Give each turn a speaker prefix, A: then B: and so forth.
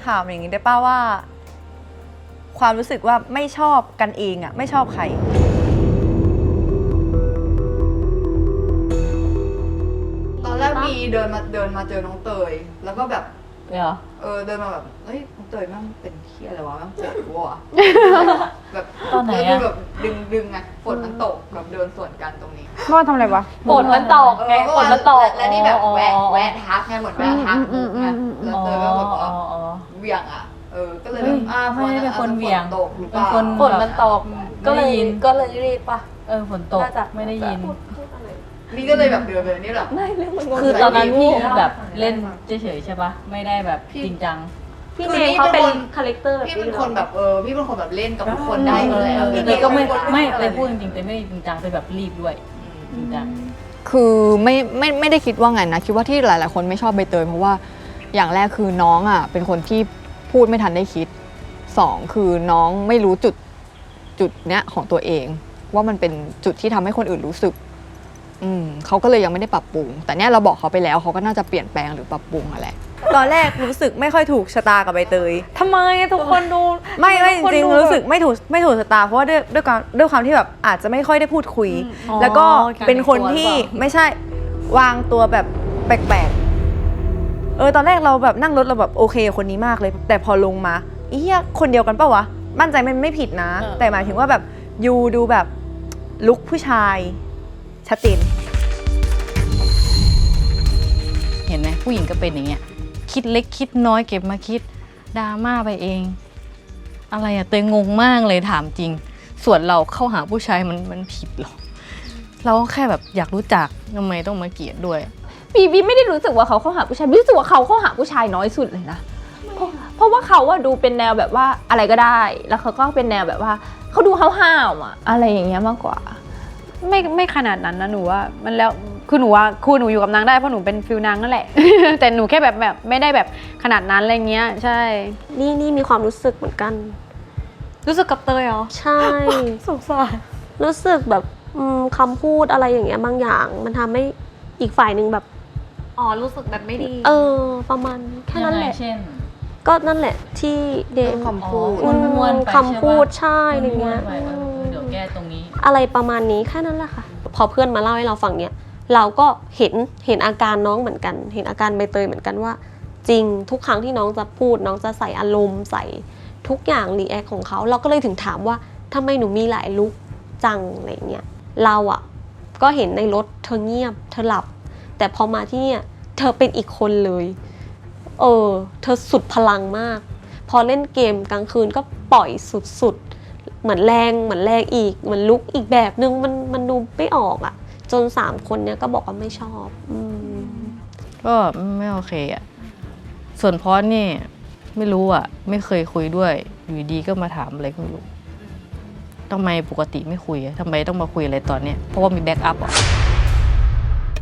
A: ถามอย่างนี้ได้ป่าว่า ความรู้สึกว่าไม่ชอบกันเองอะไม่ชอบใคร
B: ตอนแรกมีเดินมาเจอน้องเตยแล้วก็แบบ
C: เหรอ
B: เดินมาแบบเฮ้ยน้องเตยแม่งเป็นเหี้ยอะไรวะแม่งปวดหัวแบบ
C: ตอนไหนอะ
B: แบบดึงไงฝนมันตกแบบเดินสวนกันตรงนี้
D: เมื่อวานทำอะไรวะ
C: ฝนมันตกไงฝนมันตก
B: แล้วนี่แบบแวะทักไงเหมือนแวะทักมุกไงแล้วเตยก็แบบว่าเหวี่ยงอ่ะก็เลยแบบ
C: ไม่ได้เป็นคนเหวี่ยง
B: ตกหรือเปล่า
C: เป็นคน
E: ฝนมันตกก็เลยรีบป่ะ
C: ฝนตกไม่ได้ยิน
B: นี่ก็เลยแบบเดินไปนี่แบบ
E: ไม่เรื่องมันงง
C: คือตอนนั้นพี่แบบเล่นเฉยๆใช่ปะไม่ได้แบบจริงจัง
E: พี่เมย์เขาเป็นคาแรคเตอร์แบบ
B: พี่เป็นคนแบบพี่เป็นคนแบบเล่นกับทุกคนได้อยู่แล้ว
C: เลยก็ไม่เลยพูดจริงๆแต่ไม่ได้จริงจังไปแบบรีบด้วยจริงจัง
F: คือไม่ได้คิดว่าไงนะคิดว่าที่หลายๆคนไม่ชอบใบเตยเพราะว่าอย่างแรกคือน้องอ่ะเป็นคนที่พูดไม่ทันได้คิดสองคือน้องไม่รู้จุดเนี้ยของตัวเองว่ามันเป็นจุดที่ทำให้คนอื่นรู้สึกเขาก็เลยยังไม่ได้ปรับปรุงแต่เนี้ยเราบอกเขาไปแล้วเขาก็น่าจะเปลี่ยนแปลงหรือปรับปรุงอะไร
A: ตอนแรกรู้สึกไม่ค่อยถูกชะตากับใบเตย
D: ทำไมทุกคนดู
A: ไม่จริงๆรู้สึกไม่ถูกชะตาเพราะว่าด้วยความที่แบบอาจจะไม่ค่อยได้พูดคุย แล้วก็เป็นคนที่ไม่ใช่วางตัวแบบแปลกๆตอนแรกเราแบบนั่งรถเราแบบโอเคคนนี้มากเลย แต่พอลงมาอีเหี้ยคนเดียวกันปะวะมั่นใจมันไม่ผิดนะ แต่หมายถึงว่าแบบยูดูแบบลุคผู้ชายชัดเจน
C: เห็นไหมผู้หญิงก็เป็นอย่างเงี้ยคิดเล็กคิดน้อยเก็บมาคิดดราม่าไปเอง อะไรอะเตยงงมากเลยถามจริง ส่วนเราเข้าหาผู้ชายมันผิดหรอเราก็แค่แบบอยากรู้จักทำไมต้องมาเกลียดด้วย
E: บีไม่ได้รู้สึกว่าเขาเข้าหาผู้ชายบีรู้สึกว่าเขาเข้าหาผู้ชายน้อยสุดเลยนะเพราะว่าเขาอะดูเป็นแนวแบบว่าอะไรก็ได้แล้วเขาก็เป็นแนวแบบว่าเขาดูห้าวๆอะอะไรอย่างเงี้ยมากกว่า
D: ไม่ขนาดนั้นนะหนูว่ามันแล้วคือหนูว่าหนูอยู่กับนางได้เพราะหนูเป็นฟิลนางนั่นแหละ แต่หนูแค่แบบไม่ได้แบบขนาดนั้นอะไรเงี้ยใช่
G: นี่มีความรู้สึกเหมือนกัน
D: รู้สึกกับเตยเหรอ
G: ใช่
D: สงสาร
G: รู้สึกแบบคำพูดอะไรอย่างเงี้ยบางอย่าง มันทำให้อีกฝ่ายหนึ่งแบบ
D: อ๋อรู้สึกแบบไม่ดี
G: ประมาณแค่นั้นแหละ
C: เช่น
G: ก็นั่นแหละที่เดม
A: คำพูด
C: ม้วนๆไป
G: คำพูดใช่อะไรเงี้ย
C: เดี๋ยวแก้ตรงนี้
G: อะไรประมาณนี้แค่นั้นแหละค่ะ พอเพื่อนมาเล่าให้เราฟังเนี่ยเราก็เห็นอาการน้องเหมือนกัน เห็นอาการใบเตยเหมือนกันว่า จริงทุกครั้งที่น้องจะพูดน้องจะใส่อารมณ์ใส่ทุกอย่างรีแอคของเขาเราก็เลยถึงถามว่าทำไมหนูมีหลายลุคจังอะไรเงี้ยเราอ่ะก็เห็นในรถเธอเงียบเธอหลับ แต่พอมาที่เนี่ยเธอเป็นอีกคนเลยเธอสุดพลังมากพอเล่นเกมกลางคืนก็ปล่อยสุดๆเหมือนแรงอีกเหมือนลุกอีกแบบนึงมันดูไม่ออกอ่ะจน3คนเนี้ยก็บอกว่าไม่ชอบ
C: ก็ไม่โอเคอ่ะส่วนพอสนี่ไม่รู้อ่ะไม่เคยคุยด้วยอยู่ดีก็มาถามอะไรก็ไม่รู้ทำไมปกติไม่คุยทำไมต้องมาคุยอะไรตอนเนี้ยเพราะว่ามีแบ็กอัพอ่ะ